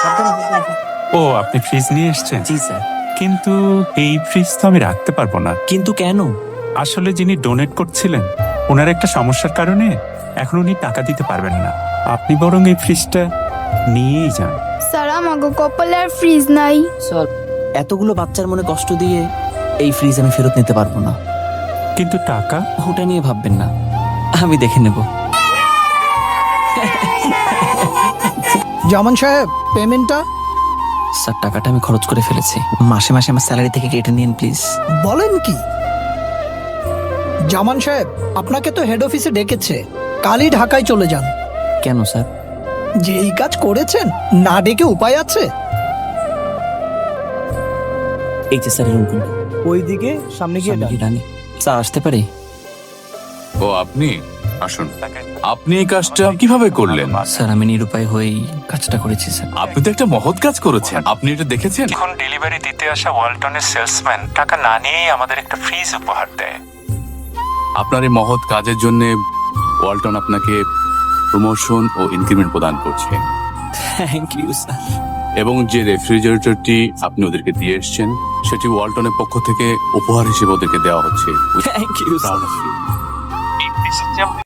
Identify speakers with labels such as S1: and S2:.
S1: ও, আপনি ফ্রিজ নিয়ে এসেছেন?
S2: জি স্যার।
S1: কিন্তু এই ফ্রিজ তো আমি রাখতে পারবো না।
S2: কিন্তু কেন?
S1: আসলে যিনি ডোনেট করছিলেন ওনার একটা সমস্যার কারণে এখন উনি টাকা দিতে পারবেন না। আপনি বরং এই ফ্রিজটা নিয়েই যান।
S3: স্যার আমাকে কপালে আর ফ্রিজ নাই।
S2: স্যার, এতগুলো বাচ্চার মনে কষ্ট দিয়ে এই ফ্রিজ আমি ফেরত নিতে পারবো না।
S1: কিন্তু টাকা?
S2: ওটা নিয়ে ভাববেন না, আমি দেখে নেব।
S4: জামান সাহেব, পেমেন্টটা
S2: স্যার, টাকাটা আমি খরচ করে ফেলেছি। মাসে মাসে আমার স্যালারি থেকে কেটে নিন প্লিজ।
S4: বলেন কি? জামান সাহেব, আপনাকে তো হেড অফিসে ডেকেছে, কালই ঢাকায় চলে যান।
S2: কেন স্যার?
S4: যে এই কাজ করেছেন, না ডেকে উপায় আছে?
S2: এই যে স্যার, রুম কোনটা?
S4: ওইদিকে সামনে গিয়ে
S2: সামনে কি ডানে? স্যার, আসতে পারি?
S5: ও, আপনি আসুন। আপনি এই কাজটা কিভাবে করলেন?
S2: স্যার, আমি নিরুপায় হয়েই কাজটা করেছি স্যার।
S5: আপনি তো একটা মহৎ কাজ করেছেন। আপনি এটা দেখেছেন?
S1: এখন ডেলিভারি দিতে আসা ওয়ালটনের সেলসম্যান টাকা না নিয়েই আমাদের একটা ফ্রিজ উপহার দেয়।
S5: আপনার এই মহৎ কাজের জন্য ওয়ালটন আপনাকে প্রমোশন ও ইনক্রিমেন্ট প্রদান করছে,
S2: থ্যাংক ইউ স্যার।
S5: এবং যে রেফ্রিজারেটরটি আপনি ওদেরকে দিয়ে এসেছেন সেটি ওয়ালটনের পক্ষ থেকে উপহার হিসেবে ওদেরকে দেওয়া হচ্ছে।
S2: Thank you sir.
S1: এই ফ্রিজের যে আমাদের